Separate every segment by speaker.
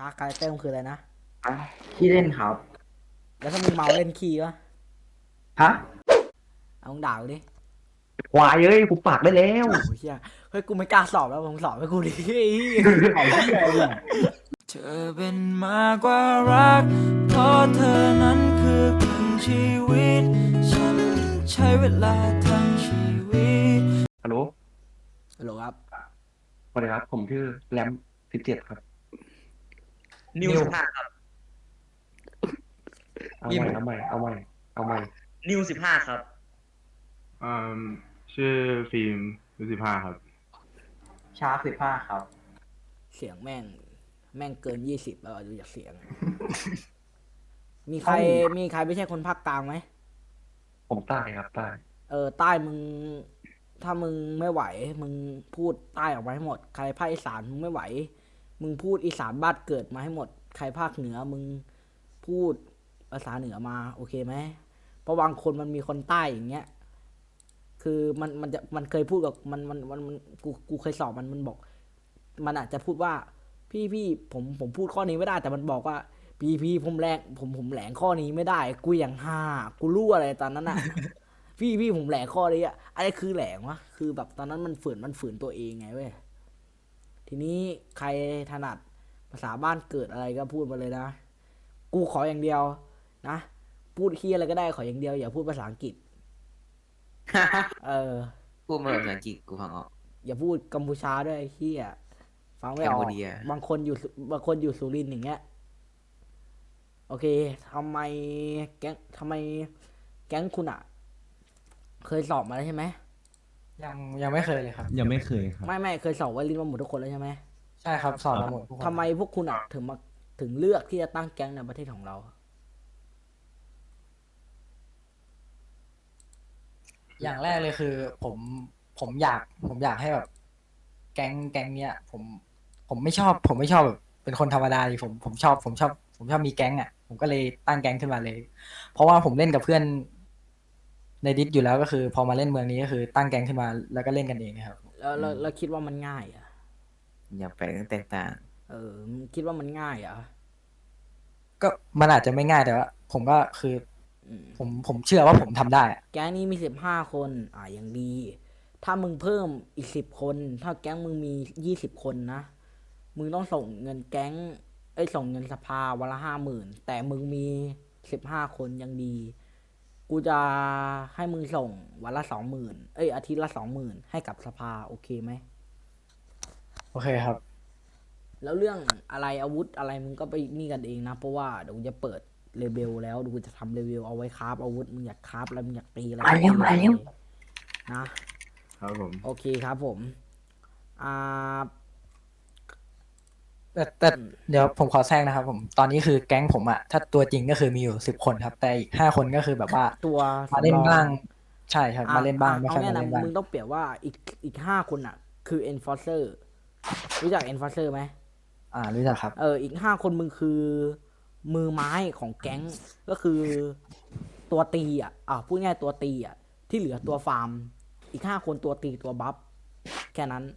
Speaker 1: าคาแรคเตอร์มันคืออะไรนะ
Speaker 2: อ่ะที่เล่นครับ
Speaker 1: แล้วถ้ามึงเมาเล่นคีย์วะ
Speaker 2: ฮะ
Speaker 1: เอามึงด่ากูดิ
Speaker 2: ควายเอ้ยกูปากได้แล้ว
Speaker 1: โอ้ยเฮียเฮ้ยกูไม่กล้าสอบแล้วมึงสอบให้กูดิ
Speaker 2: ไอ้เหี้ยเนี่ย
Speaker 3: เธอเป็นมากกว่ารักเพราะเธอนั้นคือครึ่งชีวิตฉันใช้เวลาทั้งชีวิต
Speaker 2: ฮัลโหล
Speaker 1: ฮัลโหลครับ
Speaker 2: สวัสดีครับผมชื่อแรม17ครับ
Speaker 4: นิว 15ครับ
Speaker 2: เอาใหม่เอาใหม่เอาใหม่เอาใหม่
Speaker 4: นิว 15ครับ
Speaker 5: อ่าชื่อฟิล์ม15ครับ
Speaker 2: ชาร์ป15ครับ
Speaker 1: เสียงแม่งเกิน20แล้วดูจากเสียงมีใครมีใครไม่ใช่คนภาคกลางไหม
Speaker 2: ผมใต้ครับใต้
Speaker 1: ใต้มึงถ้ามึงไม่ไหวมึงพูดใต้ออกมาให้หมดใครภาคอีสานมึงไม่ไหวมึงพูดอีสานบ้านเกิดมาให้หมดใครภาคเหนือมึงพูดภาษาเหนือมาโอเคไหมเพราะบางคนมันมีคนใต้อย่างเงี้ยคือมันเคยพูดกับมันกูเคยสอบมันบอกมันอาจจะพูดว่าพี่ผมพูดข้อนี้ไม่ได้แต่มันบอกว่าพี่ผมแรงผมแหลงข้อนี้ไม่ได้กูอย่างห่ากูรู้อะไรตอนนั้นอ่ะ พี่ผมแหลงข้อนี้อะอะไรคือแหลงวะคือแบบตอนนั้นมันฝืนตัวเองไงเว้ยทีนี้ใครถนัดภาษาบ้านเกิดอะไรก็พูดมาเลยนะกูขออย่างเดียวนะพูดเฮียอะไรก็ได้ขออย่างเดียวอย่าพูดภาษาอังกฤษเออ
Speaker 4: พูดมาแบบภาษาอังกฤษกูฟังออก
Speaker 1: อย่าพูดกัมพูชาด้วยไอ้เฮียฟังไม่ออก
Speaker 4: แคนเบเดีย
Speaker 1: บางคนอยู่สุรินทร์อย่างเงี้ยโอเคทำไมแก๊งคุณอะเคยสอบมาแล้วใช่ไหม
Speaker 3: ยังไม่เคยเลยครับ
Speaker 6: ยังไม่เคยครับ
Speaker 1: ไม่เคยสอบไวรินมาหมดทุกคนแล้วใช่ไหม
Speaker 3: ใช่ครับสอนมาหมดทุกคน
Speaker 1: ทำไมพวกคุณอะถึงเลือกที่จะตั้งแก๊งในประเทศของเรา
Speaker 3: อย่างแรกเลยคือผมอยากให้แบบแก๊งเนี้ยผมไม่ชอบแบบเป็นคนธรรมดาดิผมชอบมีแก๊งอ่ะผมก็เลยตั้งแก๊งขึ้นมาเลยเพราะว่าผมเล่นกับเพื่อนในดิสอยู่แล้วก็คือพอมาเล่นเมืองนี้ก็คือตั้งแก๊งขึ้นมาแล้วก็เล่นกันเองนะครับ
Speaker 1: แล้วคิดว่ามันง่ายอะ
Speaker 4: อย่าไปตั้งแต่ต่าง
Speaker 1: มึงคิดว่ามันง่ายเหรอะ
Speaker 3: ก็มันอาจจะไม่ง่ายแต่ว่าผมก็คือผมเชื่อว่าผมทำได้อะ
Speaker 1: แก๊งนี้มี15 คนอย่างดี ถ้ามึงเพิ่มอีก10 คนถ้าแก๊งมึงมี20 คนนะมึงต้องส่งเงินแก๊งส่งเงินสภาวันละ50,000แต่มึงมี15 คนยังดี กูจะให้มึงส่งวันละ20,000อาทิตย์ละ20,000ให้กับสภาโอเคไหม
Speaker 3: โอเคครับ
Speaker 1: แล้วเรื่องอะไรอาวุธอะไรมึงก็ไปนี่กันเองนะเพราะว่าเดี๋ยวกูจะเปิดเลเบลแล้วเดี๋ยวกูจะทำเลเบลเอาไว้คราฟอาวุธมึงอยากคราฟอะไรมึงอยากตีอะไร
Speaker 2: มาเร็วมาเร็ว
Speaker 1: นะครับ
Speaker 5: ผม
Speaker 1: โอเคครับผมอ่า
Speaker 3: แต่เดี๋ยวผมขอแทรกนะครับผมตอนนี้คือแก๊งผมอะถ้าตัวจริงก็คือมีอยู่10 คนครับแต่อีก5 คนก็คือแบบว่า
Speaker 1: ตัว
Speaker 3: มาเล่น
Speaker 1: สำรอง
Speaker 3: บ้างใช่ครับมาเล่นบ้างไม่
Speaker 1: เอา
Speaker 3: ค่อย
Speaker 1: แน่นะ
Speaker 3: มาเล่นบ้าง
Speaker 1: มึงต้องเปรียบว่าอีก5 คนอ่ะคือ enforcer รู้จัก enforcer ไหม
Speaker 3: รู้จักครับ
Speaker 1: อีก5 คนมึงคือมือไม้ของแก๊งก็คือตัวตีพูดง่ายตัวตีที่เหลือตัวฟาร์มอีก5 คนตัวตีตัวบัฟแค่นั้น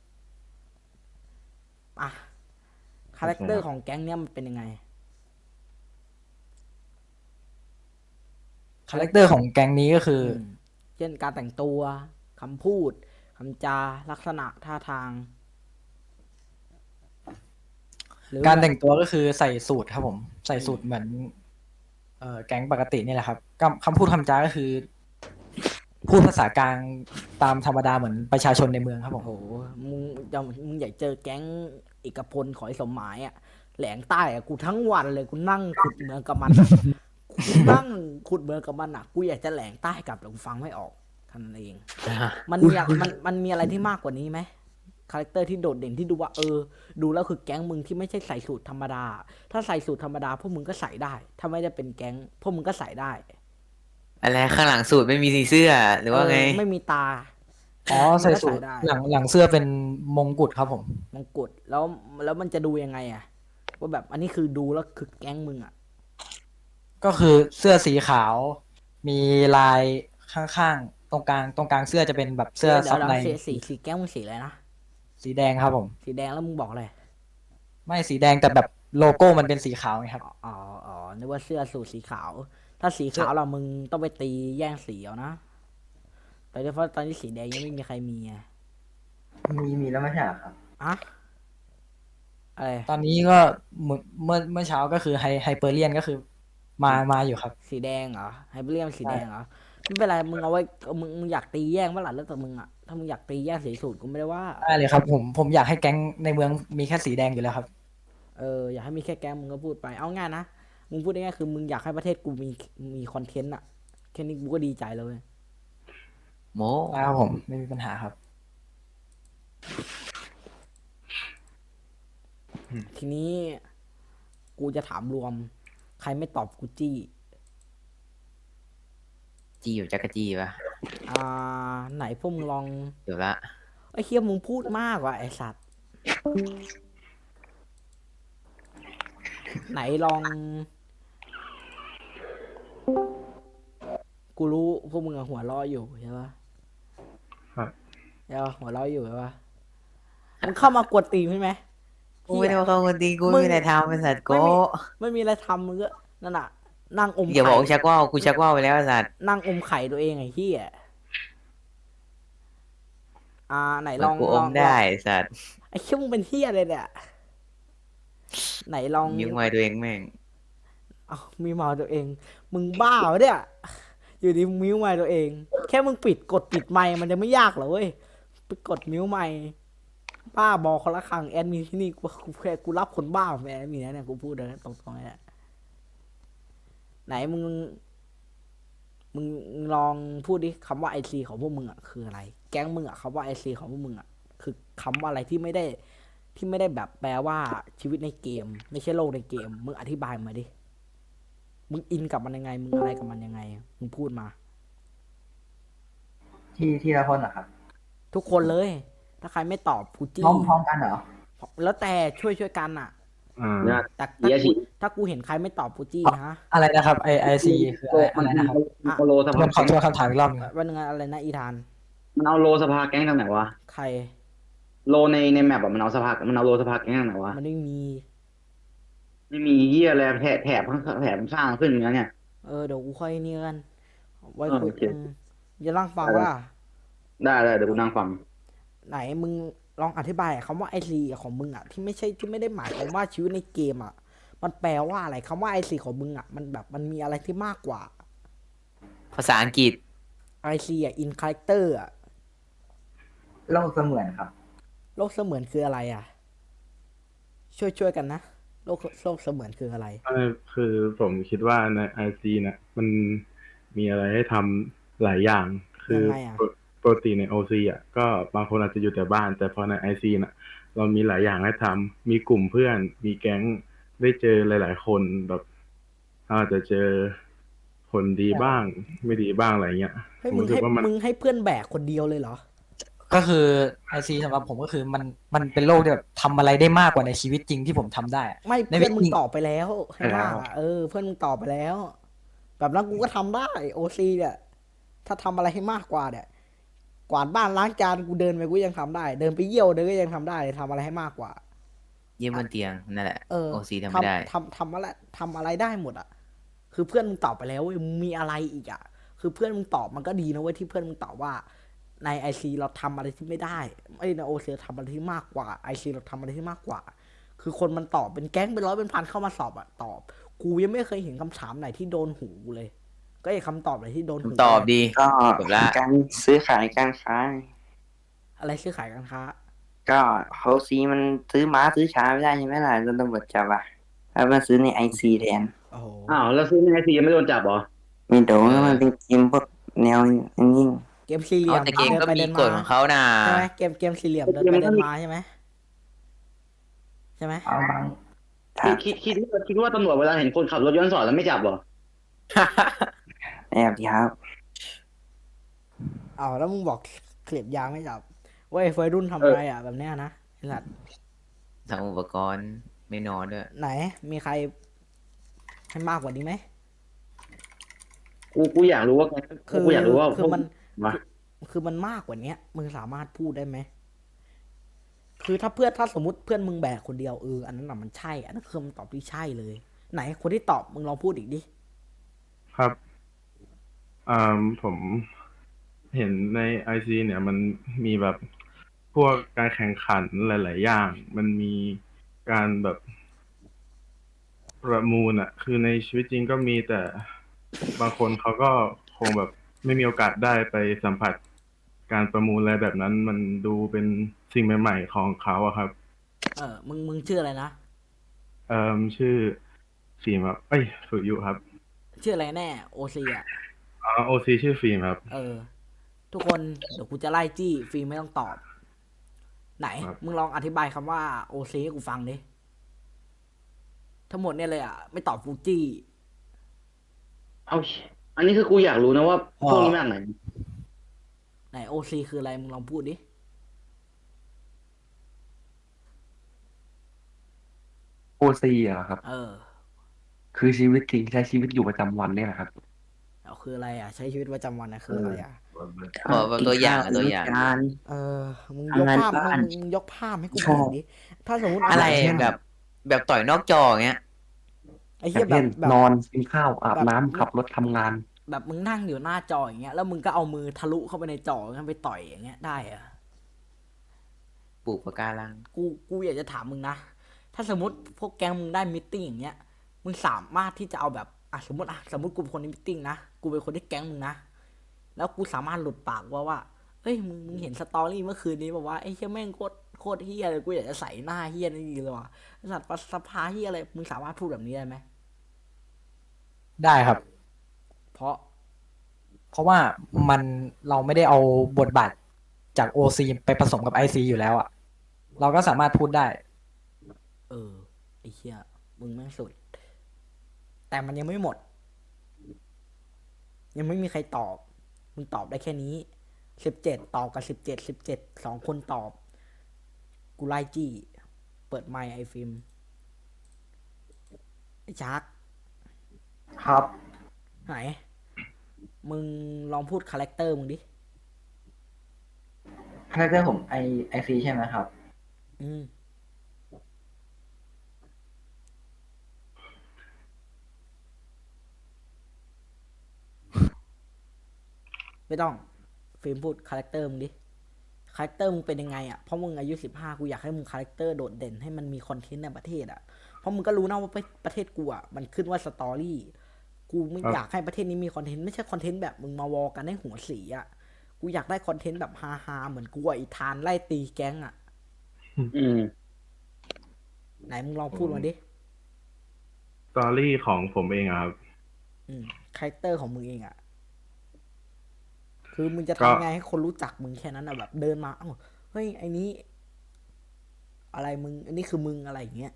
Speaker 1: คาแรคเตอร์ของแก๊งเนี้ยมันเป็นยังไง
Speaker 3: คาแรคเตอร์ของแก๊งนี้ก็คือ
Speaker 1: เช่นการแต่งตัวคำพูดคำจาลักษณะท่าทาง
Speaker 3: การแต่งตัวก็คือใส่สูทครับผมใส่สูทเหมือนแก๊งปกตินี่แหละครับคำพูดคำจาก็คือ พูดภาษากลางตามธรรมดาเหมือนประชาชนในเมืองครับผม
Speaker 1: โอ้โหมึงอยากเจอแก๊งเอกพลขอไอ้สมหมายแหลงใต้กูทั้งวันเลยกูนั่งขุดเหมืองกับมันกูนั่งขุดเหมืองกับมันกูอยากจะแหลงใต้กลับแต่กูฟังไม่ออกท่านั้นเองมันมีอะไรที่มากกว่านี้ไหมคาแรคเตอร์ที่โดดเด่นที่ดูว่าดูแล้วคือแก๊งมึงที่ไม่ใช่ใส่สูทธรรมดาถ้าใส่สูทธรรมดาพวกมึงก็ใส่ได้ถ้าไม่ได้เป็นแก๊งพวกมึงก็ใส่ได้
Speaker 4: อะไรข้างหลังสูตรไม่มีสีเสื้อหรือว่าไง
Speaker 1: ไม่มีตา
Speaker 3: ใส่สูทหลังเสื้อเป็นมงกุฎครับผม
Speaker 1: มงกุฎแล้วมันจะดูยังไงว่าแบบอันนี้คือดูแล้วคือแก๊งมึง
Speaker 3: ก็คือเสื้อสีขาวมีลายข้างๆตรงกลางเสื้อจะเป็นแบบเสื้อซับใน
Speaker 1: สีแก๊งมึงสีอะไรนะ
Speaker 3: สีแดงครับผม
Speaker 1: สีแดงแล้วมึงบอกอะไร
Speaker 3: ไม่สีแดงแต่แบบโลโก้มันเป็นสีขาวไงครับ
Speaker 1: อ๋ออ๋อนึกว่าเสื้อสูทสีขาว ถ้าสีขาวเรามึงต้องไปตีแย่งสีเอานะแต่เพราะตอนนี้สีแดงยังไม่มีใครมีไง
Speaker 6: มีแล้วไม่ใช่เหรอครับ
Speaker 1: อะอะไร
Speaker 3: ตอนนี้ก็เมื่อเช้าก็คือไฮเปอร์เลียนก็คือมาอยู่ครับ
Speaker 1: สีแดงเหรอไฮเปอร์เรียมสีแดงเหรอไม่เป็นไรมึงเอาไว้มึงอยากตีแย่งเมื่อไหร่แล้วแต่มึงอะถ้ามึงอยากตีแย่งสีสูตรกูไม่ได้ว่า
Speaker 3: ได้เลยครับผมอยากให้แก๊งในเมืองมีแค่สีแดงอยู่แล้วครับ
Speaker 1: อยากให้มีแค่แก๊งมึงก็พูดไปเอาง่ายนะมึงพูดง่ายๆคือมึงอยากให้ประเทศกูมีคอนเทนต์อะแค่นี้กูก็ดีใจแล้วเว้ย
Speaker 4: โม
Speaker 3: ครับผมไม่มีปัญหาครับ
Speaker 1: ทีนี้กูจะถามรวม ใครไม่ตอบกูจี้
Speaker 4: จีอยู่จักรจีปะ
Speaker 1: ไหนพวกมึงลอง
Speaker 4: เดี๋ยวละ
Speaker 1: ไอ้เคียมึงพูดมากว่ะไอ้สัตว์ ไหนลอง กูรู้พวกมึงอะหัวเราะอยู่ใช่ปะ
Speaker 5: ครับ
Speaker 1: ใช่ปะหัวเราะอยู่ใช่ปะมึงเข้ามากวนตีนใช่ไหม
Speaker 4: กูไม่ได้ว่าเขาคนดีกูไม่มีอะไรทำเป็นสัตว์โก้
Speaker 1: ไม่มีอะไรทำมึงก็นั่นน่ะ นั่งอม
Speaker 4: อย่าบอก
Speaker 1: ไข่
Speaker 4: ชักว่าวกูชักว่าวไปแล้วไอ้สัตว์
Speaker 1: นั่งอมไข่ตัวเองไอ้เหี้ยไหนลอง
Speaker 4: กูอมได้ไอ้สัตว์
Speaker 1: ไอ้เหี้ยมึงเป็นเหี้ยอะไรเนี่ย ไหนลอง
Speaker 4: นิ้วมือตัวเองแม่ง
Speaker 1: เอามีเมาตัวเอง มึงบ้าวะเนี่ย อยู่ดีมึงมิวไมค์ตัวเอง แค่มึงกดปิดไมค์มันจะไม่ยากเหรอเว้ยไปกดมิวไมค์บ้าบอคนละครั้งแอดมินที่นี่กูรับคนบ้าเป็นแอดมินนะเนี่ยกูพูดเลยนะตรงๆเนี่ยไหนมึงลองพูดดิคำว่าไอซีของพวกมึงอ่ะคืออะไร แก๊งมึงอ่ะคำว่าไอซีของพวกมึงอ่ะคือคำว่าอะไรที่ไม่ได้แบบแปลว่าชีวิตในเกม ไม่ใช่โลกในเกม มึงอธิบายมาดิ มึงอินกับมันยังไง มึงอะไรกับมันยังไง มึงพูดมา
Speaker 6: ที่ละคนเหรอครับ
Speaker 1: ทุกคนเลย ถ้าใครไม่ตอบกูจี้
Speaker 6: พร้อมกันเหรอ
Speaker 1: แล้วแต่ช่วยกันอ่ะ
Speaker 5: อ่า
Speaker 1: แต่ถ้ากูเห็นใครไม่ตอบกูจี้นะ
Speaker 3: อะไรนะครับไอซีคืออะไรนะครับ
Speaker 2: เอาโลส
Speaker 3: ท
Speaker 2: ภา
Speaker 3: วนขอทวนคำถามอีกรอบหนึงครับ
Speaker 1: วันนึงอะไรนะอีธาน
Speaker 2: มันเอาโลสภาแก๊งทางไหนวะ
Speaker 1: ใคร
Speaker 2: โลในแมปอะมันเอาโลสภาแก๊งทางไหนวะ
Speaker 1: มันไม่มี
Speaker 2: ไม่มีเหี้ยอะไรแถบสร้างขึ้นอย่างเงี้ย
Speaker 1: เดี๋ยวกูค่อยนี่กัน ไว้
Speaker 2: โอ
Speaker 1: คุย
Speaker 2: เค
Speaker 1: อย่าล่างฟัง
Speaker 2: ได้
Speaker 1: ว่า
Speaker 2: ได้เดี๋ยวกูนั่งฟัง
Speaker 1: ไหนมึงลองอธิบายคำว่าไอซีของมึงอ่ะที่ไม่ได้หมายความว่าชีวิตในเกมอ่ะ มันแปลว่าอะไรคำว่าไอซีของมึงอ่ะมันแบบมันมีอะไรที่มากกว่า
Speaker 4: ภาษาอังกฤษ
Speaker 1: ไอซีอ่ะอินคาแรคเตอร์อ่ะ
Speaker 6: โลกเสมือนครับ
Speaker 1: โลกเสมือนคืออะไรอ่ะ ช่วยกันนะโลกเสมือนคืออะไร
Speaker 5: คือผมคิดว่าในไอซีเนี่ยมันมีอะไรให้ทำหลายอย่าง คือ
Speaker 1: ยังไงอะ
Speaker 5: ปกติในโอซีอ่ะก็บางคนอาจจะอยู่แต่บ้าน แต่พอในไอซีน่ะ เรามีหลายอย่างให้ทำมีกลุ่มเพื่อน มีแก๊งได้เจอหลาย ๆ คนแบบอาจจะเจอคนดีบ้าง ไม่ดีบ้างอะไรเงี้ย
Speaker 1: เฮ้ย
Speaker 5: ผม
Speaker 1: มึง
Speaker 5: รู้สึ
Speaker 1: ให้
Speaker 5: กว่ามัน
Speaker 1: มึงให้เพื่อนแบกคนเดียวเลยเหรอ
Speaker 3: ก็คือไอซีสำหรับผมก็คือมันเป็นโลกที่แบบทำอะไรได้มากกว่าในชีวิตจริงที่ผมทำได้อะ
Speaker 1: ไม่
Speaker 3: ใน
Speaker 1: เพื่อนมึง
Speaker 3: วิธี
Speaker 1: ตอบไปแล้วให้มากอะเพื่อนมึงตอบไปแล้ว แบบนั้นกูก็ทำได้โอซีเนี่ย ถ้าทำอะไรให้มากกว่าเนี่ย กวาดบ้านล้างจานกูเดินไปกูยังทำได้ เดินไปเยี่ยวเดินก็ยังทำได้ทำอะไรให้มากกว่า
Speaker 4: เยี่ยมบนเตียงนั่นแหละ
Speaker 1: เออ
Speaker 4: โอซีทำไม่ได้
Speaker 1: ทำอะไรได้หมดอ่ะ คือเพื่อนมึงตอบไปแล้วเว้ยมึงมีอะไรอีกอ่ะ คือเพื่อนมึงตอบมันก็ดีนะเว้ยที่เพื่อนมึงตอบว่า ในไอซีเราทำอะไรที่ไม่ได้ไอ้ในโอซีเราทำอะไรที่มากกว่าไอซีเราทำอะไรที่มากกว่า คือคนมันตอบเป็นแก๊งเป็นร้อยเป็นพันเข้ามาสอบอ่ะตอบ กูยังไม่เคยเห็นคำถามไหนที่โดนหูเลย ก็ไอ้คำตอบไหนที่โดนหู
Speaker 4: ตอบดี
Speaker 7: ก็
Speaker 4: จบละ
Speaker 7: การซื้อขายการค้า
Speaker 1: อะไรซื้อขายการค้า
Speaker 7: ก็เขาซีมันซื้อม้าซื้อช้าไม่ได้ใช่ไหมล่ะโดนตำรวจจับอ่ะแล้วมาซื้อในไอซีแทน
Speaker 1: โอ้โห
Speaker 2: อ้าวแล้วซื้อในไอซียังไม่โดนจับเหรอ
Speaker 7: ไม่โดนแล้วมันเป็นเกมพวกแนวนิ่ง
Speaker 1: เกมสี่เหลี่ยม
Speaker 4: แต่เกมก็
Speaker 1: ดินไป
Speaker 4: มี
Speaker 1: ดิน
Speaker 4: กฎของเขานะ
Speaker 1: ใช่ไหมเกมสี่เหลี่ยมเดินไปเดินมาใช่ไหมใช่ไหม
Speaker 6: เอาบาง
Speaker 7: ๆถ้า
Speaker 2: คิดว่าตำรวจเวลาเห็นคนขับรถย้อนสอนแล้วไม่จับเหรอ
Speaker 7: แอบดีครับ
Speaker 1: อ้าวแล้วมึงบอกเคลียบยางไม่จับเว้ยเฟยรุ่นทำอะไรอ่ะแบบเนี้ยนะไอ้สัตว์
Speaker 4: ทำอุปกรณ์ไม่นอนด้วย
Speaker 1: ไหนมีใครให้มากกว่านี้ไหม
Speaker 2: กูอยากรู้ว่า
Speaker 1: คือ
Speaker 2: กูอยากรู้ว่า
Speaker 1: คือมัน
Speaker 2: วะ
Speaker 1: คือมันมากกว่าเนี้ยมึงสามารถพูดได้ไหมคือถ้าสมมติเพื่อนมึงแบกคนเดียวอันนั้นน่ะมันใช่ อันนั้นคือคำตอบที่ใช่เลย ไหนคนที่ตอบมึงลองพูดอีกดิ
Speaker 5: ครับผมเห็นในไอซีเนี่ยมันมีแบบพวกการแข่งขันหลาย ๆ อย่าง มันมีการแบบประมูลอะคือในชีวิตจริงก็มีแต่บางคนเขาก็คงแบบไม่มีโอกาสได้ไปสัมผัสการประมูลอะไรแบบนั้น มันดูเป็นสิ่งใหม่ ๆ ของเขาอะครับ
Speaker 1: มึงชื่ออะไรนะ
Speaker 5: ชื่อฟิล์มครับเอ้ยสุยุครับ
Speaker 1: ชื่ออะไรแน่โอซีอ่ะ
Speaker 5: โอซีชื่อฟิล์มครับ
Speaker 1: ทุกคนเดี๋ยวกูจะไล่จี้ฟิล์มไม่ต้องตอบ ไหน
Speaker 5: ครับ
Speaker 1: มึงลองอธิบายคำว่าโอซีให้กูฟังดิ ทั้งหมดเนี่ยเลยอ่ะ ไม่ตอบฟูจี้
Speaker 2: เอาอันนี้คือกูอยากรู้นะว่าพวกนี้มาจากไหน
Speaker 1: ไหนโอซีคืออะไรมึงลองพูดดิ
Speaker 8: โอซีอะครับ คือชีวิตจริงใช้ชีวิตอยู่ประจำวันเนี่ยแหละครับ
Speaker 1: เอาคืออะไรอ่ะ ใช้ชีวิตประจำวันนะคืออะไรอ่ะ
Speaker 4: ขอแบบตัวอย่างอะตัวอย่าง
Speaker 7: กินข้ว
Speaker 1: มึงยกภาพ
Speaker 7: ทำงานบ้าน
Speaker 1: มึงยกภาพให้กู
Speaker 7: ชอบ
Speaker 1: เห็นดิ ถ้าสมมติ
Speaker 4: อะไร
Speaker 1: เช่น
Speaker 4: แบบต่อยนอกจออย่างเงี้ย
Speaker 1: ไอ้
Speaker 8: อ
Speaker 1: เหี้
Speaker 8: ย่าย ง
Speaker 1: แบ
Speaker 8: เช่
Speaker 1: บ
Speaker 8: น
Speaker 1: แบบ
Speaker 8: นอนกินข้าวอาบ
Speaker 1: แบบ
Speaker 8: น้ำขับรถทำงาน
Speaker 1: แบบมึงนั่งอยู่หน้าจออย่างเงี้ย แล้วมึงก็เอามือทะลุเข้าไปในจองั้นไปต่อยอย่างเงี้ยได้เหรอะ
Speaker 4: ปลูกปะการัง
Speaker 1: กูอยากจะถามมึงนะ ถ้าสมมติพวกแก๊งมึงได้มิทติ้งอย่างเงี้ย มึงสามารถที่จะเอาแบบสมมติกูเป็นคนในมิทติ้งนะ กูเป็นคนที่แก๊งมึงนะ แล้วกูสามารถหลุดปากว่าเฮ้ยมึงเห็นสตอรี่เมื่อคืนนี้บอกว่าไอ้เหี้ยแม่งโคตรเหี้ยเลย กูอยากจะใส่หน้าเหี้ยนี่ดีเลยว่ะไอ้สัตว์สภาเหี้ยอะไร มึงสามารถพูดแบบนี้ได้ไหม
Speaker 3: ได้ครับ
Speaker 1: เพราะ
Speaker 3: เพราะว่าเราไม่ได้เอาบทบาทจากโอซีไปผสมกับไอซีอยู่แล้วอ่ะ เราก็สามารถพูดได้
Speaker 1: ไอ้เหี้ยมึงแม่งสุด แต่มันยังไม่หมด ยังไม่มีใครตอบ มึงตอบได้แค่นี้17ตอบกับ17 2 คนตอบ กูไล่จี้ เปิดไมค์ไอฟิล์มไอชาร์ก
Speaker 6: ครับ
Speaker 1: ไหน มึงลองพูดคาแรคเตอร์มึงดิ
Speaker 6: คาแรคเตอร์ผมไอซีใช่ไหมครับ
Speaker 1: อืม ไม่ต้อง ฟิล์มพูดคาแรคเตอร์มึงดิ คาแรคเตอร์มึงเป็นยังไงอ่ะ เพราะมึงอายุ15กูอยากให้มึงคาแรคเตอร์โดดเด่นให้มันมีคอนเทนต์ในประเทศอ่ะ เพราะมึงก็รู้นะว่าประเทศกูอ่ะมันขึ้นว่าสตอรี่ กูไม่
Speaker 5: ครับ
Speaker 1: อยากให้ประเทศนี้มีคอนเทนต์ไม่ใช่คอนเทนต์แบบมึงมาวอกันให้หัวเสียอ่ะ กูอยากได้คอนเทนต์แบบฮาๆเหมือนกูอ่ะอีธานไล่ตีแก๊งอ่ะ
Speaker 2: อืม
Speaker 1: ไหนมึงลองพูดมาดิ
Speaker 5: สตอรี่ของผมเองอะครับ
Speaker 1: คาแรคเตอร์ของมึงเองอ่ะ คือมึงจะ
Speaker 5: ก็
Speaker 1: ทำไงให้คนรู้จักมึงแค่นั้นอ่ะแบบเดินมาเฮ้ยไอ้นี้ อะไรมึง อันนี้คือมึงอะไรอย่างเงี้ย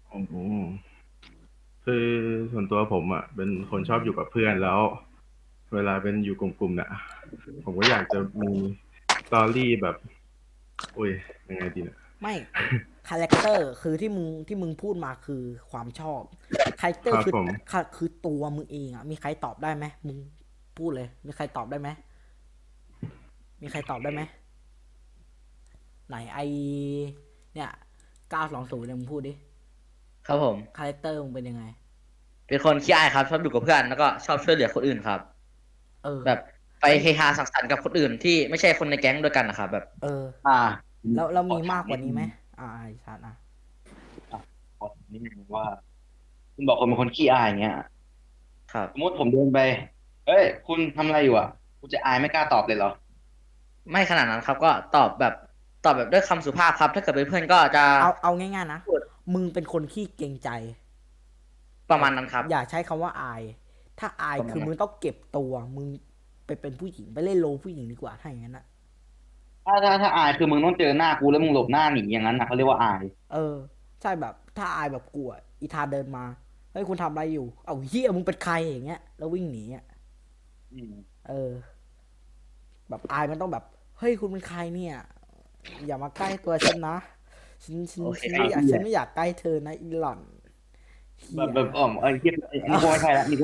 Speaker 5: คือส่วนตัวผมอ่ะ เป็นคนชอบอยู่กับเพื่อนแล้ว เวลาเป็นอยู่กลุ่มๆเนี่ยผมก็อยากจะมีสตอรี่แบบโอ้ยยังไงดีเนี่ย
Speaker 1: ไม่ คาแรคเตอร์คือที่มึงพูดมาคือความชอบ คาแรคเตอร์
Speaker 5: ครับ
Speaker 1: คือ
Speaker 5: ผม
Speaker 1: คือตัวมึงเองอ่ะ มีใครตอบได้ไหมมึงพูดเลย มีใครตอบได้ไหมมีใครตอบได้ไหมไหนเนี่ย920เนี่ยมึงพูดดิ
Speaker 9: ครับผม
Speaker 1: คาแรคเตอร์มึงเป็นยังไง
Speaker 9: เป็นคนขี้อายครับ ชอบอยู่กับเพื่อนแล้วก็ชอบช่วยเหลือคนอื่นครับ แบบไปเฮฮาสังสรรค์กับคนอื่นที่ไม่ใช่คนในแก๊งด้วยกันนะครับแบบ
Speaker 2: อ่า
Speaker 1: แล้วมีมากกว่านี้ไหมไอ้ชัดอ่ะ
Speaker 2: ขอถามนิดนึงว่า คุณบอกคนเป็นคนขี้อายอย่างเงี้ย
Speaker 9: ครับ
Speaker 2: สมมติผมเดินไป เอ้ย คุณทำอะไรอยู่อ่ะคุณจะอายไม่กล้าตอบเลยเหรอ
Speaker 9: ไม่ขนาดนั้นครับ ก็ตอบแบบด้วยคำสุภาพครับ ถ้าเกิดเป็นเพื่อนก็จะ
Speaker 1: เอาง่ายๆนะ มึงเป็นคนขี้เกรงใจ
Speaker 9: ประมาณนั้นครับ
Speaker 1: อย่าใช้คำว่าอาย ถ้าอาย
Speaker 9: ประมาณนั้น
Speaker 1: คือมึงต้องเก็บตัว มึงไปเป็นผู้หญิงไปเล่นโรลผู้หญิงดีกว่าถ้าอย่างนั้นอ่ะ
Speaker 2: ถ้าอายคือมึงต้องเจอหน้ากูแล้วมึงหลบหน้าหนีอย่างนั้นนะเขาเรียกว่าอาย
Speaker 1: ใช่แบบถ้าอายแบบกลัวอีธาเดินมาเฮ้ยคุณทำอะไรอยู่ เอาเฮียมึงเป็นใครอย่างเงี้ยแล้ววิ่งหนีอ่ะ
Speaker 2: อืม
Speaker 1: แบบอายมันต้องแบบเฮ้ยคุณเป็นใครเนี่ย อย่ามาใกล้ตัวฉันนะฉัน
Speaker 9: โอเค
Speaker 1: ฉันไม่อยากใกล้เธอนะอีหล่อนเหี้ย
Speaker 2: แบบไอ้เหี้ยอันนี้กูไม่ใช่ละนี่กู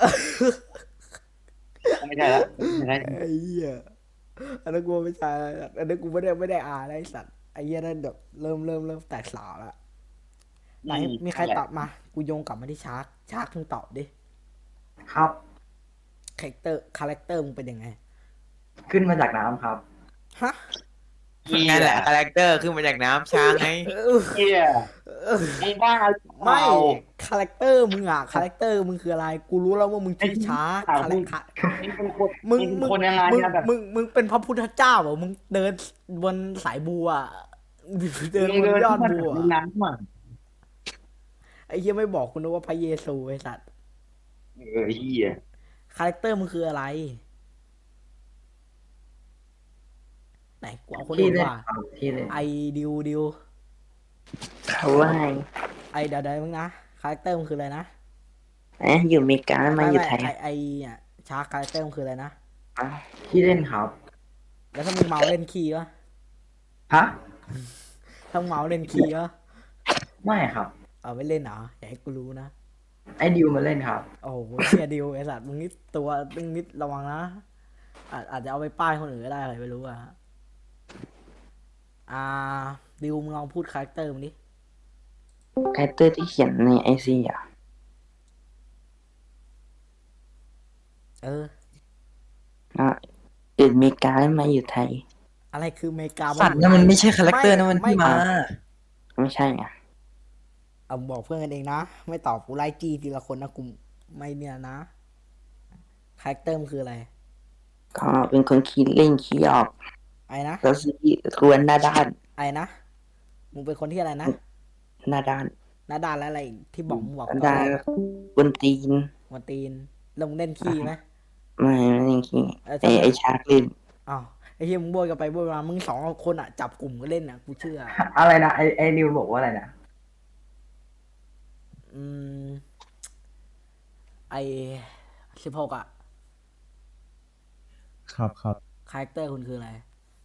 Speaker 2: ไม่ใช่ละไม่ใช่
Speaker 1: ไอ้เหี้ยอันนั้นกูไม่ใช่อันนั้นกูไม่ได้อายนะไอ้สัตว์ไอ้เหี้ยนั่นแบบเริ่มแตกสาวแล้วไหนมีใครตอบมา กูโยงกลับมาที่ชาร์กมึงตอบดิ
Speaker 6: ครับ
Speaker 1: คาแรคเตอร์มึงเป็นยังไง
Speaker 6: ขึ้นมาจากน้ำครับ
Speaker 1: ฮะ
Speaker 4: นั่นแหละคาแรคเตอร์ขึ้นมาจากน้ำช้างไง
Speaker 2: เฮียไอ้บ้า
Speaker 1: ไม่คาแรคเตอร์มึงอะคาแรคเตอร์มึงคืออะไร กูรู้แล้วว่ามึงชื่อชาร์ก
Speaker 2: มึงเป็นคน
Speaker 1: มึง
Speaker 2: เป็นคนยังไง
Speaker 1: มึง
Speaker 2: นะแบบ
Speaker 1: มึงเป็นพระพุทธเจ้าเหรอมึงเดินบนสายบัวอะเดินบนยอดบัว
Speaker 2: น้ำมัน
Speaker 1: ไอ้เหี้ยไม่บอกกูนะว่าพระเยซูไอ้สัตว์
Speaker 2: เฮีย
Speaker 1: คาแรคเตอร์มึงคืออะไร ไหนกูเอาคน
Speaker 6: ที่
Speaker 1: อื่น
Speaker 6: เล่น
Speaker 1: ว่า
Speaker 6: ครับที่เล่น
Speaker 1: ไอดิว
Speaker 7: เขาว่าไง
Speaker 1: ไอเดี๋ยวมึงนะคาแรคเตอร์มึงคืออะไรนะ
Speaker 7: อยู่อเมริกาแล้วมาอยู่ไทย
Speaker 1: ไอเนี่ยชาร์กคาแรคเตอร์มึงคืออะไรนะ
Speaker 6: ที่เล่นครับ
Speaker 1: แล้วถ้ามึงเมาเล่นคีย์วะ
Speaker 6: ฮะ
Speaker 1: ถ้ามึงเมาเล่นคีย์วะ
Speaker 6: ไม่ครับ
Speaker 1: เอาไม่เล่นเหรออย่าให้กูรู้นะ
Speaker 6: ไอ้ดิวมาเล่นครับ
Speaker 1: โอ้โหเชียดิวไอสัตว์มึงนิดระวังนะอาจจะเอาไปป้ายคนอื่นก็ได้ใครไม่รู้อะดิวมึงลองพูดคาแรคเตอร์มึงดิ
Speaker 7: คาแรคเตอร์ที่เขียนในไอซีอ่ะ
Speaker 1: เออ
Speaker 7: อยู่อเมริกาแล้วมาอยู่ไทย
Speaker 1: อะไรคืออเมริกา
Speaker 3: สัตว์นั่นมันไม่ใช่คาแรคเตอร์นั่นมันที่มา
Speaker 7: ไม่ใช่อ่ะ
Speaker 1: เอาบอกเพื่อนกันเองนะ ไม่ตอบกูไล่จี้ทีละคนนะกูไม่เนี่ยนะคาแรคเตอร์มันคืออะไร
Speaker 7: ก็เป็นคนขี้เล่นขี้ออก
Speaker 1: ไอ้นะ
Speaker 7: แล้วซีกวนหน้าด้าน
Speaker 1: ไอ้นะมึงเป็นคนที่อะไรนะ
Speaker 7: หน้าด้าน
Speaker 1: หน้าด้านและอะไรอีกที่บอกมึงบอก
Speaker 7: หน้า
Speaker 1: ตอน
Speaker 7: ด้าน
Speaker 1: แรก
Speaker 7: บนตีน
Speaker 1: วันตีนแล้วมึงเล่นขี้ไหม
Speaker 7: ไม่เล่นขี้
Speaker 1: เออ
Speaker 7: ไอชาร์กเล่น
Speaker 1: อ้าวไอ้เฮียมึงโบยกันไปโบยมามึงสองคนอ่ะจับกลุ่มก็เล่นอ่ะกูเชื่อ
Speaker 6: อะไรนะไอ้ดิวบอกว่าอะไรนะ
Speaker 1: อืมไอ16อ่ะ
Speaker 10: ครับครับ
Speaker 1: คาแรคเตอร์คุณคืออะไร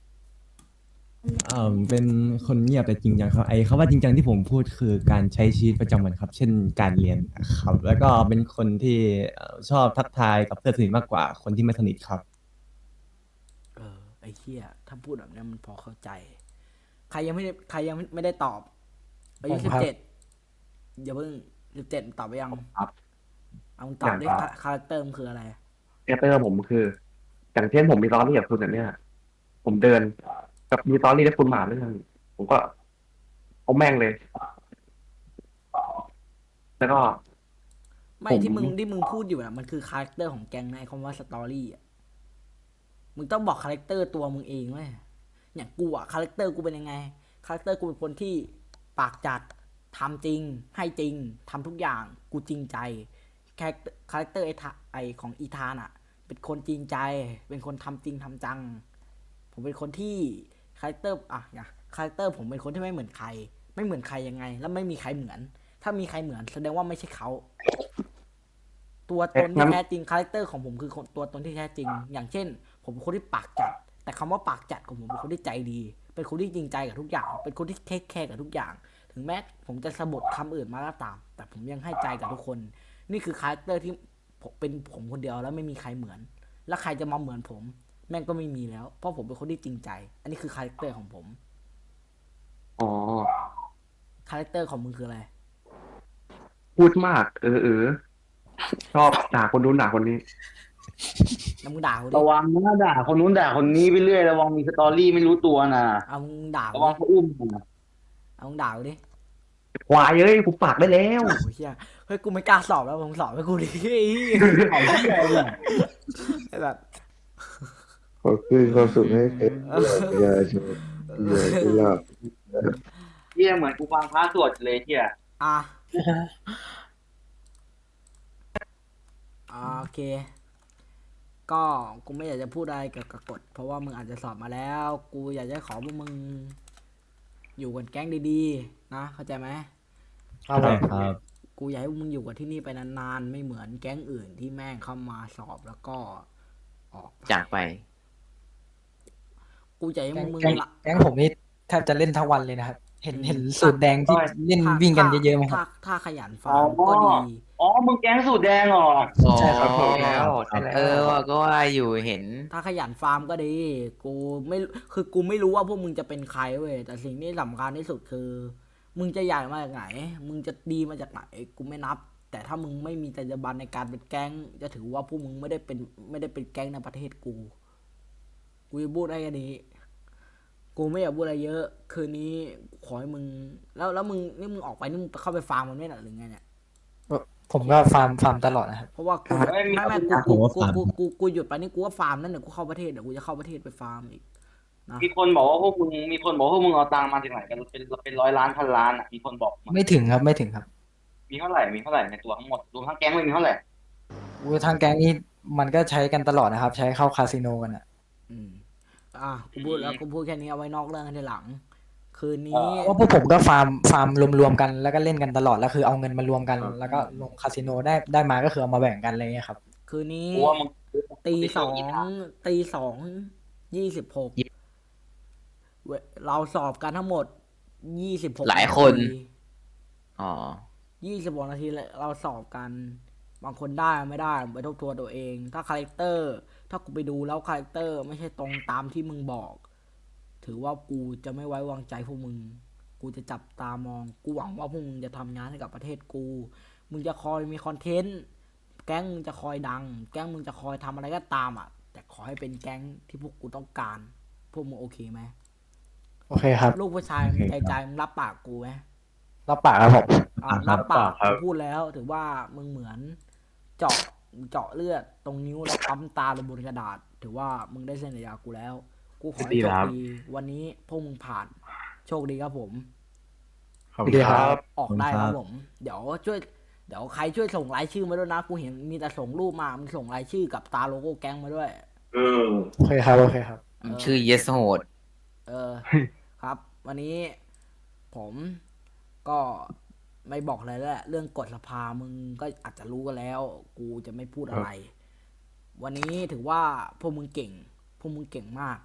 Speaker 10: เป็นคนเงียบแต่จริงจังครับไอ้คำว่าจริงจังที่ผมพูดคือการใช้ชีวิตประจำวันครับ เช่นการเรียนครับ แล้วก็เป็นคนที่ชอบทักทายกับเพื่อนสนิทมากกว่าคนที่ไม่สนิทครับ
Speaker 1: เออไอ้เฮียถ้าพูดแบบนี้มันพอเข้าใจ ใครยังไม่ได้ตอบอายุ
Speaker 3: ผมครับ
Speaker 1: 17อย่าเพิ่ง17ตอบไปยัง
Speaker 8: ครับ
Speaker 1: เอามึงตอบดิ
Speaker 8: อย่างครับ
Speaker 1: คาแรคเตอร์มันคืออะไร
Speaker 8: คาแรคเตอร์ผมคือ อย่างเช่นผมมีตอรี่กับคุณเนี่ย ผมเดินกับมีตอรี่ได้คุณหมาเรื่องผมก็เอาแม่งเลย แล้วก็
Speaker 1: ไม่
Speaker 8: ผม
Speaker 1: ที่มึงพูดอยู่นะมันคือคาแรคเตอร์ของแก๊งในะไอ้คำว่าสตอรี่อ่ะมึงต้องบอกคาแรคเตอร์ตัวมึงเองเว้ยอย่างกูอ่ะคาแรคเตอร์กูเป็นยังไงคาแรคเตอร์กูเป็นคนที่ปากจัดทำจริง ให้จริงทำทุกอย่างกูจริงใจคาแรคเตอร์ไอของอีธานอ่ะ เป็นคนจริงใจ เป็นคนทำจริงทำจัง ผมเป็นคนที่คาแรคเตอร์คาแรคเตอร์ผมเป็นคนที่ไม่เหมือนใคร ไม่เหมือนใครยังไง แล้วไม่มีใครเหมือน ถ้ามีใครเหมือนแสดงว่าไม่ใช่เขา ตัวตนที่แท้จริงคาแรคเตอร์ของผมคือตัวตนที่แท้จริง อย่างเช่น ผมเป็นคนที่ปากจัด แต่คำว่าปากจัดของผมเป็นคนที่ใจดี เป็นคนที่จริงใจกับทุกอย่าง เป็นคนที่เทคแคร์กับทุกอย่าง ถึงแม้ผมจะสะบัดคำอื่นมาก็ตาม แต่ผมยังให้ใจกับทุกคน นี่คือคาแรคเตอร์ที่เป็นผมคนเดียวแล้วไม่มีใครเหมือน แล้วใครจะมาเหมือนผม แม่งก็ไม่มีแล้ว เพราะผมเป็นคนที่จริงใจ อันนี้คือคาแรคเตอร์ของผม
Speaker 8: อ๋อ
Speaker 1: คาแรคเตอร์ของมึงคืออะไร
Speaker 8: พูดมาก ชอบด่าคนนู้นด่าคนนี้
Speaker 1: แล้วมึงด่ากูดิ
Speaker 2: ระวังนะด่าคนนู้นด่าคนนี้ไปเรื่อยระวังมีสตอรี่ไม่รู้ตัวนะ
Speaker 1: เอามึงด่ากู
Speaker 2: ระวัง
Speaker 1: ดิ
Speaker 2: เขาอุ้มนะ
Speaker 1: เอามึงด่ากูดิ
Speaker 8: ควายเอ้ยผมปากได้แล้ว
Speaker 1: โอ้ยเฮียเฮ้ยกูไม่กล้าสอบแล้วมึงสอบให้กูดิไอ้เหี้ย
Speaker 2: เขาที่ใหญ่เนี่ย
Speaker 1: แบบ
Speaker 5: ขอคืนความสุขให้เธออย่าชมอย่าหลับ
Speaker 2: เที่ยเหมือนกูฟังพระสวดเลยเที่ย
Speaker 1: อ่ะโอเค ก็กูไม่อยากจะพูดอะไรเกี่ยวกับกฎ เพราะว่ามึงอาจจะสอบมาแล้ว กูอยากจะขอพวกมึง อยู่กันแก๊งดีๆ นะเข้าใจไหม
Speaker 10: ใช่ครับ
Speaker 1: กูอยากให้พวกมึงอยู่กับที่นี่ไปนานๆ ไม่เหมือนแก๊งอื่นที่แม่งเข้ามาสอบแล้วก็ออก
Speaker 4: จากไป
Speaker 1: กูอยากให้
Speaker 3: แก๊ง
Speaker 1: มึง
Speaker 3: แก๊ง
Speaker 1: ละ
Speaker 3: แก๊งผมนี่แทบจะเล่นทั้งวันเลยนะครับเห็นสูตรแดงที่เล่นวิ่งกันเยอะๆไหมครับ
Speaker 1: ถ้าขยันฟาร์มก็ดี
Speaker 2: อ๋อมึงแก๊งสูตรแดงเหรอ
Speaker 3: ใช่ครับ
Speaker 8: ใช่แล้วใช่แล้ว
Speaker 4: ว่าก็ว่าอยู่เห็น
Speaker 1: ถ้าขยันฟาร์มก็ดี กูไม่คือกูไม่รู้ว่าพวกมึงจะเป็นใครเว้ยแต่สิ่งที่สำคัญที่สุดคือ มึงจะใหญ่มาจากไหน มึงจะดีมาจากไหนกูไม่นับ แต่ถ้ามึงไม่มีจรรยาบรรณในการเป็นแก๊งจะถือว่าพวกมึงไม่ได้เป็นแก๊งในประเทศกูจะพูดได้แค่นี้ กูไม่อยากพูดอะไรเยอะ คืนนี้ขอให้มึงแล้วมึงนี่มึงออกไปนี่มึงเข้าไปฟาร์มมันไม่หรอหรือไงเนี่ย
Speaker 3: ผมก็ฟาร์มตลอดนะครับ
Speaker 1: เพราะว่ากู
Speaker 2: ไม่มี
Speaker 1: ไม่
Speaker 10: ผมว่าฟาร์ม
Speaker 1: กูหยุดไปนี่กูก็ฟาร์มนั่นเดี๋ยวกูเข้าประเทศเดี๋ยวกูจะเข้าประเทศไปฟาร์มอีกนะ
Speaker 2: มีคนบอกว่าพวกมึงเอาตังค์มาจากไหนกันเป็นร้อยล้านพันล้านอ่ะมีคนบอกมา
Speaker 3: ไม่ถึงครับไม่ถึงครับ
Speaker 2: มีเท่าไหร่ในตัวทั้งหมดรวมทั้งแก๊งเลยมีเท่าไหร่
Speaker 3: ทางแก๊งนี้มันก็ใช้กันตลอดนะครับ ใช้เข้าคาสิโนกันอ่ะ
Speaker 1: กูพูดแล้วกูพูดแค่นี้เอาไว้นอกเรื่องกันทีหลัง คืนนี้
Speaker 3: เพราะพวกผมก็ฟาร์มรวมๆกันแล้วก็เล่นกันตลอดแล้วคือเอาเงินมารวมกัน แล้วก็ลงคาสิโนได้มาก็คือเอามาแบ่งกันอะไรเงี้ยครับ
Speaker 1: คืนนี้
Speaker 2: กูว่ามึง
Speaker 1: ตีสอง26เราสอบกันทั้งหมด26
Speaker 4: หลายคน
Speaker 1: นาที
Speaker 4: อ๋อ
Speaker 1: 26 นาทีเราสอบกัน บางคนได้ไม่ได้ไปทบทวนตัวเอง ถ้าคาแรคเตอร์ ถ้ากูไปดูแล้วคาแรคเตอร์ไม่ใช่ตรงตามที่มึงบอก ถือว่ากูจะไม่ไว้วางใจพวกมึง กูจะจับตามอง กูหวังว่าพวกมึงจะทำงานให้กับประเทศกู มึงจะคอยมีคอนเทนต์ แก๊งมึงจะคอยดัง แก๊งมึงจะคอยทำอะไรก็ตามอ่ะ แต่ขอให้เป็นแก๊งที่พวกกูต้องการ พวกมึงโอเคไหม
Speaker 3: โอเคครับ
Speaker 1: ลูกผู้ชายมึงใจมึงรับปากกูไหม
Speaker 3: รับปากครับผม
Speaker 1: รับปาก
Speaker 5: ครับ
Speaker 1: กูพูดแล้ว ถือว่ามึงเหมือนเจาะเลือดตรงนิ้วแล้วปั๊มตาลงบนกระดาษ ถือว่ามึงได้เซ็นสัญญากูแล้ว กูขอให้โชคดี วันนี้พวกมึงผ่าน โชคดีครับผม
Speaker 5: ขอบคุณครับ
Speaker 1: ออกได้ครับผม เดี๋ยวใครช่วยส่งรายชื่อมาด้วยนะ กูเห็นมีแต่ส่งรูปมา มึงส่งรายชื่อกับตาโลโก้แก๊งมาด้วย
Speaker 3: โอเคครับโอเคครับ
Speaker 4: ชื่อ yes โหด
Speaker 1: ครับ วันนี้ผมก็ไม่บอกอะไรแล้วแหละเรื่องกฎสภามึงก็อาจจะรู้กันแล้ว กูจะไม่พูดอะไร วันนี้ถือว่าพวกมึงเก่งมาก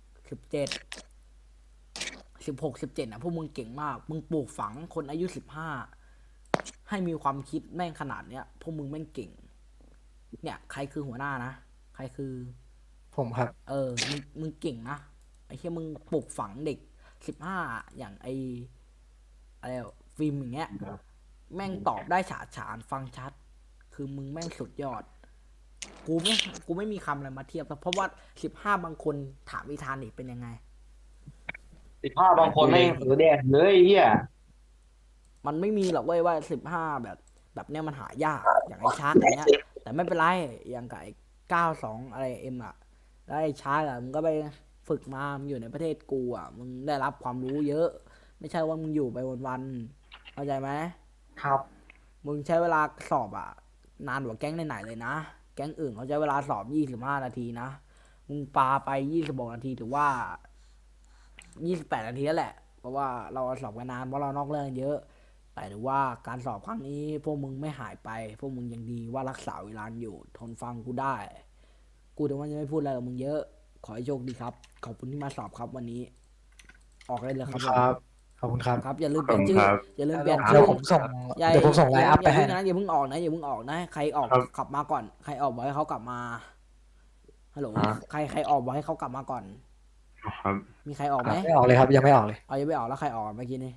Speaker 1: 16 17นะพวกมึงเก่งมาก มึงปลูกฝังคนอายุ15ให้มีความคิดแม่งขนาดเนี้ยพวกมึงแม่งเก่ง เนี่ยใครคือหัวหน้านะใครคือ
Speaker 3: ผมครับ
Speaker 1: มึงเก่งนะไอ้เหี้ยมึงปลูกฝังเด็ก15อย่างไออะไรฟิล์มอย่างเงี้ยแม่งตอบได้ฉาฉานฟังชัด คือมึงแม่งสุดยอด กูไม่มีคำอะไรมาเทียบเพราะว่า15บางคนถามวิธานอีกเป็นยังไง
Speaker 2: 15บางคนไม่ถือแดงเลยเฮีย
Speaker 1: มันไม่มีหรอกเว้ยว่า15แบบเนี้ยมันหายากอย่างไอ้ชาร์กอย่างเงี้ยแต่ไม่เป็นไรอย่างกับไอ้92อะไรเอ็มอ่ะแล้วไอ้ชาร์กอ่ะมึงก็ไปฝึกมามึงอยู่ในประเทศกูอ่ะมึงได้รับความรู้เยอะ ไม่ใช่ว่ามึงอยู่ไปวันๆเข้าใจไหม
Speaker 6: ครับ
Speaker 1: มึงใช้เวลาสอบอ่ะนานกว่าแก๊งไหนๆเลยนะแก๊งอื่นเขาใช้เวลาสอบ25 นาทีนะมึงปาไป26 นาทีถือว่า28 นาทีแล้วแหละเพราะว่าเราสอบกันนานเพราะเรานอกเรื่องเยอะ แต่ถือว่าการสอบครั้งนี้พวกมึงไม่หายไป พวกมึงยังดีว่ารักษาเวลาอยู่ทนฟังกูได้ กูถึงว่าจะไม่พูดอะไรกับมึงเยอะ ขอให้โชคดีครับ ขอบคุณที่มาสอบครับวันนี้ ออกได้เลยครับ
Speaker 3: ครับ ขอบคุณครับ
Speaker 1: ครับอย่าลืมเปลี่ยนชื่อ
Speaker 5: ครับ
Speaker 1: อย่าลืมเปลี่ยน
Speaker 3: เดี๋
Speaker 1: ชื่
Speaker 3: ยว
Speaker 1: อ
Speaker 3: ผมส่ง
Speaker 1: อย่า
Speaker 3: เดี๋ยวผมส่งไลน์อัพไปให้
Speaker 1: อย่าเพิ่งออกนะอย่าเพิ่งออกนะใครออก
Speaker 5: ครับ
Speaker 1: ขับมาก่อน ใครออกบอกให้เขากลับมาฮัลโหลใครออกบอกให้เขากลับมาก่อน
Speaker 5: ครับ
Speaker 1: มีใครออกไหม
Speaker 3: ไม่ออกเลยครับยังไม่ออกเลย
Speaker 1: เอายังไม่ออกแล้วใครออกเมื่อกี้นี่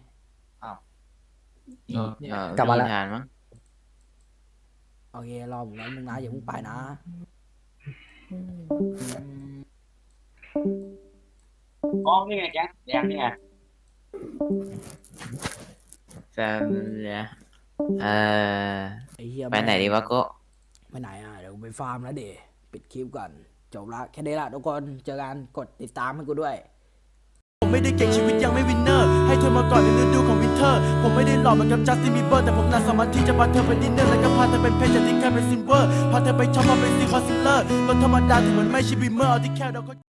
Speaker 3: กลับมาแล้ว
Speaker 4: งานมั้ง
Speaker 1: โอเครอผมนิดนึงนะอย่าเพิ่งไปนะ
Speaker 2: อ๋อนี่ไงแก๊งแดงนี่ไง
Speaker 4: จะเนี่ยเออ
Speaker 1: ไอ้เหี้ย
Speaker 4: ไปไหนดีวะโก็
Speaker 1: ไปไหนอ่ะเดี๋ยวไปฟาร์มแล้วเดปิดคลิปก่อนจบละแค่นี้ละทุกคนเจอกันกดติดตามให้กูด้วย
Speaker 11: ผมไม่ได้เก่งชีวิตยังไม่วินเนอร์ให้เธอมาก่อนในฤดูของวินเทอร์ผมไม่ได้หล่อเหมือนกับจัสตินบีเบอร์แต่ผมน่าสามารถที่จะพาเธอไปดินเนอร์แล้วก็พาเธอเป็นเพชรจากที่แค่เป็นซิลเวอร์พาเธอไปช็อปมาเป็นซีคอนซิลเลอร์รถธรรมดาที่เหมือนไม่ใช่บีเมอร์เอาที่แค่เราก็